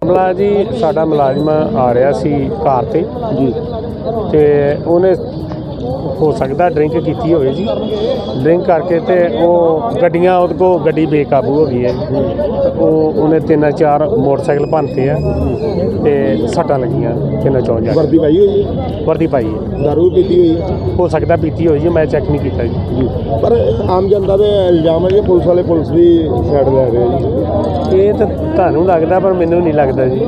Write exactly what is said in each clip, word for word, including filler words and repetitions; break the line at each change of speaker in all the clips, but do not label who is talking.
ਮਾਮਲਾ ਜੀ ਸਾਡਾ ਮੁਲਾਜ਼ਮ ਆ ਰਿਹਾ ਸੀ ਕਾਰ ਤੇ ਜੀ ਤੇ ਉਹਨੇ ਹੋ ਸਕਦਾ ਡਰਿੰਕ ਕੀਤੀ ਹੋਵੇ ਜੀ। ਡਰਿੰਕ ਕਰਕੇ ਤੇ ਉਹ ਗੱਡੀਆਂ ਉਹਦੇ ਕੋਲ ਗੱਡੀ ਬੇਕਾਬੂ ਹੋ ਗਈ ਹੈ। ਉਹ ਉਹਨੇ ਤਿੰਨ ਚਾਰ ਮੋਟਰਸਾਈਕਲ ਭੰਨਤੇ ਆ ਤੇ ਸੱਟਾਂ ਲੱਗੀਆਂ ਤਿੰਨ ਚੌਂ ਜਾ।
ਵਰਦੀ ਪਾਈ ਹੋਈ ਹੈ?
ਵਰਦੀ ਪਾਈ ਹੈ।
ਦਾਰੂ ਪੀਤੀ ਹੋਈ ਹੈ?
ਹੋ ਸਕਦਾ ਪੀਤੀ ਹੋਈ ਜੀ, ਮੈਂ ਚੈੱਕ ਨਹੀਂ ਕੀਤਾ ਜੀ।
ਪਰ ਆਮ ਜਨਤਾ ਦੇ ਇਲਜ਼ਾਮ ਹੈ ਕਿ ਪੁਲਿਸ ਵਾਲੇ ਪੁਲਿਸ ਦੀ ਸਾਈਡ ਲੈ ਰਹੇ ਜੀ।
ਇਹ ਤਾਂ ਤੁਹਾਨੂੰ ਲੱਗਦਾ ਪਰ ਮੈਨੂੰ ਨਹੀਂ ਲੱਗਦਾ ਜੀ।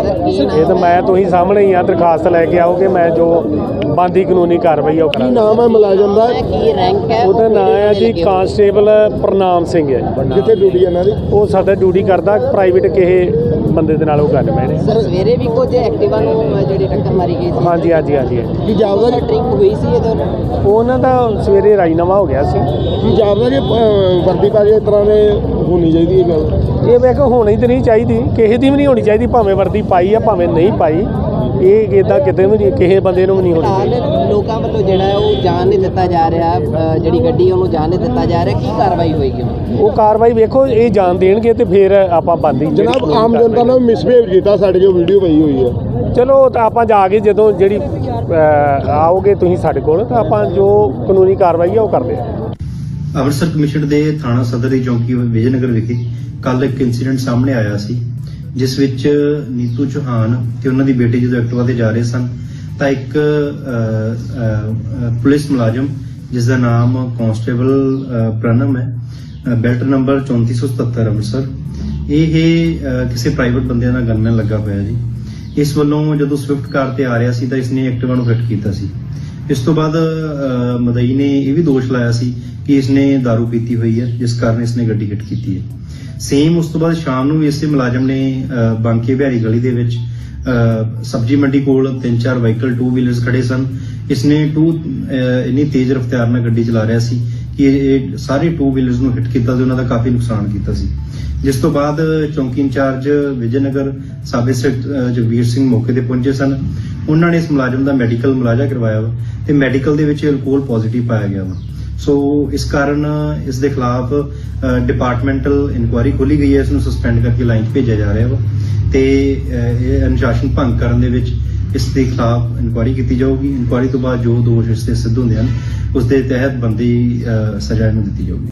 ਇਹ ਤਾਂ ਮੈਂ ਤੁਸੀਂ ਸਾਹਮਣੇ ਹੀ ਆ, ਦਰਖਾਸਤ ਲੈ ਕੇ ਆਓਗੇ, ਮੈਂ ਜੋ ਬਣਦੀ ਕਾਨੂੰਨੀ ਕਾਰਵਾਈ ਆ ਉਹ
ਕੀ
ਕਰਾਂਗਾ।
ਨਾਮ ਹੈ ਮੁਲਾਜ਼ਮ ਦਾ?
ਕੀ ਰੈਂਕ ਹੈ?
ਉਹਦਾ ਨਾਮ ਹੈ ਜੀ ਕਾਂਸਟੇਬਲ ਪ੍ਰਨਾਮ ਸਿੰਘ ਹੈ ਜੀ।
ਕਿੱਥੇ ਡਿਊਟੀ ਇਹਨਾਂ ਦੀ?
ਉਹ ਸਾਡਾ ਡਿਊਟੀ ਕਰਦਾ ਪ੍ਰਾਈਵੇਟ ਕਿਸੇ ਬੰਦੇ ਦੇ ਨਾਲ ਉਹ ਗੱਲ ਪੈ
ਸਰ ਸਵੇਰੇ ਵੀ ਕੁਝ ਐਕਟਿਵਾ ਨੂੰ ਜਿਹੜੀ ਟੱਕਰ ਮਾਰੀ ਗਈ ਸੀ।
ਹਾਂਜੀ ਹਾਂਜੀ ਹਾਂਜੀ
ਕੀ ਜਾਪਦਾ ਜੀ
ਡਰਿੰਕ ਹੋਈ ਸੀ ਇਹਦੇ?
ਉਹਨਾਂ ਦਾ ਸਵੇਰੇ ਰਾਜੀਨਾਮਾ ਹੋ ਗਿਆ ਸੀ।
ਕੀ ਜਾਪਦਾ ਜੀ ਅਹ, ਵਰਦੀ ਪਾ ਕੇ ਇਸ ਤਰ੍ਹਾਂ ਦੇ ਹੋਣੀ ਚਾਹੀਦੀ ਹੈ ਗੱਲ?
ਇਹ ਮੈਂ ਕਿਹਾ ਹੋਣੀ ਤਾਂ ਨਹੀਂ ਚਾਹੀਦੀ, ਕਿਸੇ ਦੀ ਵੀ ਨਹੀਂ ਹੋਣੀ ਚਾਹੀਦੀ, ਭਾਵੇਂ ਵਰਦੀ ਪਾਈ ਆ ਭਾਵੇਂ ਨਹੀਂ ਪਾਈ। ਇਹ ਇੱਦਾਂ ਕਿਤੇ ਵੀ ਨਹੀਂ, ਕਿਸੇ ਬੰਦੇ ਨੂੰ ਵੀ ਨਹੀਂ ਹੋਣੀ ਚਾਹੀਦੀ।
ਫਿਲਹਾਲ ਲੋਕਾਂ ਵੱਲੋਂ ਜਿਹੜਾ ਹੈ ਉਹ ਜਾਣ ਨਹੀਂ ਦਿੱਤਾ ਜਾ ਰਿਹਾ, ਅ, ਜਿਹੜੀ ਗੱਡੀ ਉਹਨੂੰ ਜਾਣ ਨਹੀਂ ਦਿੱਤਾ ਜਾ ਰਿਹਾ। ਕੀ ਕਾਰਵਾਈ ਹੋਏਗੀ?
ਉਹ ਕਾਰਵਾਈ ਵੇਖੋ, ਇਹ ਜਾਣ ਦੇਣਗੇ ਤੇ ਫਿਰ ਆਪਾਂ ਬੰਦੀ
ਜਨਾਬ ਆਮ ਜਨਤਾ ਨੇ ਮਿਸਬਿਹੇਵ ਕੀਤਾ, ਸਾਡੇ ਜੋ ਵੀਡੀਓ ਪਈ ਹੋਈ ਹੈ।
ਚਲੋ ਤਾਂ ਆਪਾਂ ਜਾ ਕੇ ਜਦੋਂ ਜਿਹੜੀ ਅ, ਆਓਗੇ ਤੁਸੀਂ ਸਾਡੇ ਕੋਲ ਤਾਂ ਆਪਾਂ ਜੋ ਕਾਨੂੰਨੀ ਕਾਰਵਾਈ ਆ ਉਹ ਕਰਦੇ ਆ।
ਅੰਮ੍ਰਿਤਸਰ ਕਮਿਸ਼ਨ ਦੇ ਥਾਣਾ ਸਦਰ ਦੀ ਚੌਂਕੀ ਵਿਜੇਨਗਰ ਵਿਖੇ ਕੱਲ ਇੱਕ ਇਨਸੀਡੈਂਟ ਸਾਹਮਣੇ ਆਇਆ ਸੀ, ਜਿਸ ਵਿੱਚ ਨੀਤੂ ਚੌਹਾਨ ਤੇ ਉਹਨਾਂ ਦੀ ਬੇਟੀ ਜਦੋਂ ਐਕਟਿਵਾ ਤੇ ਜਾ ਰਹੇ ਸਨ ਤਾਂ ਇੱਕ ਅ, ਅ, ਪੁਲਿਸ ਮੁਲਾਜ਼ਮ ਜਿਸ ਦਾ ਨਾਮ ਕਾਂਸਟੇਬਲ ਪ੍ਰਣਮ ਹੈ, ਬੈਲਟ ਨੰਬਰ ਚੌਂਤੀ ਸੌ ਸਤੱਤਰ ਅੰਮ੍ਰਿਤਸਰ, ਇਹ ਅ, ਕਿਸੇ ਪ੍ਰਾਈਵੇਟ ਬੰਦਿਆਂ ਦਾ ਗਨਮੈਨ ਲੱਗਾ ਹੋਇਆ ਜੀ। ਇਸ ਵੱਲੋਂ ਜਦੋਂ ਸਵਿਫਟ ਕਾਰ ਤੇ ਆ ਰਿਹਾ ਸੀ ਤਾਂ ਇਸਨੇ ਐਕਟਿਵਾ ਨੂੰ ਹਿੱਟ ਕੀਤਾ ਸੀ। ਇਸ ਤੋਂ ਬਾਅਦ ਅ, ਮਦਈ ਨੇ ਇਹ ਵੀ ਦੋਸ਼ ਲਾਇਆ ਸੀ ਕਿ ਇਸਨੇ ਦਾਰੂ ਪੀਤੀ ਹੋਈ ਹੈ, ਜਿਸ ਕਾਰਨ ਇਸਨੇ ਗੱਡੀ ਹਿੱਟ ਕੀਤੀ ਹੈ। ਸੇਮ ਉਸ ਤੋਂ ਬਾਅਦ ਸ਼ਾਮ ਨੂੰ ਵੀ ਇਸੇ ਮੁਲਾਜ਼ਮ ਨੇ ਅ, ਬਾਂਕੇ ਬਿਹਾਰੀ ਗਲੀ ਦੇ ਵਿੱਚ ਅ, ਸਬਜ਼ੀ ਮੰਡੀ ਕੋਲ ਤਿੰਨ ਚਾਰ ਵਹੀਕਲ ਟੂ ਵੀਲਰਸ ਖੜੇ ਸਨ। ਇਸਨੇ ਟੂ ਅ, ਇੰਨੀ ਤੇਜ਼ ਰਫ਼ਤਾਰ ਨਾਲ ਗੱਡੀ ਚਲਾ ਰਿਹਾ ਸੀ ਕਿ ਇਹ ਸਾਰੇ ਟੂ ਵੀਲਰਸ ਨੂੰ ਹਿੱਟ ਕੀਤਾ ਤੇ ਉਹਨਾਂ ਦਾ ਕਾਫੀ ਨੁਕਸਾਨ ਕੀਤਾ ਸੀ। ਜਿਸ ਤੋਂ ਬਾਅਦ ਚੌਂਕੀ incharge Vijaynagar sub inspector Jagvir Singh ਮੌਕੇ ਤੇ ਪਹੁੰਚੇ ਸਨ। ਉਹਨਾਂ ਨੇ ਇਸ ਮੁਲਾਜ਼ਮ ਦਾ ਮੈਡੀਕਲ ਮੁਲਾਜ਼ਾ ਕਰਵਾਇਆ ਵਾ ਤੇ ਮੈਡੀਕਲ ਦੇ ਵਿੱਚ ਅਲਕੋਹਲ ਪੋਜ਼ਿਟਿਵ ਪਾਇਆ ਗਿਆ ਵਾ। ਸੋ ਇਸ ਕਾਰਨ ਇਸ ਦੇ ਖਿਲਾਫ ਡਿਪਾਰਟਮੈਂਟਲ ਇਨਕੁਆਇਰੀ ਖੋਲੀ ਗਈ ਹੈ। ਇਸ ਨੂੰ ਸਸਪੈਂਡ ਕਰਕੇ ਲਾਈਨ 'ਚ ਭੇਜਿਆ ਜਾ ਰਿਹਾ ਵਾ ਤੇ ਇਹ ਅਨੁਸ਼ਾਸਨ ਭੰਗ ਕਰਨ ਦੇ ਵਿੱਚ ਇਸ ਦੇ ਖਿਲਾਫ ਇਨਕੁਆਇਰੀ ਕੀਤੀ ਜਾਊਗੀ। ਇਨਕੁਆਇਰੀ ਤੋਂ ਬਾਅਦ ਜੋ ਦੋਸ਼ ਇਸ ਤੇ ਸਿੱਧ ਹੁੰਦੇ ਹਨ ਉਸ ਦੇ ਤਹਿਤ ਬਣਦੀ ਸਜ਼ਾ ਇਹਨੂੰ ਦਿੱਤੀ ਜਾਊਗੀ।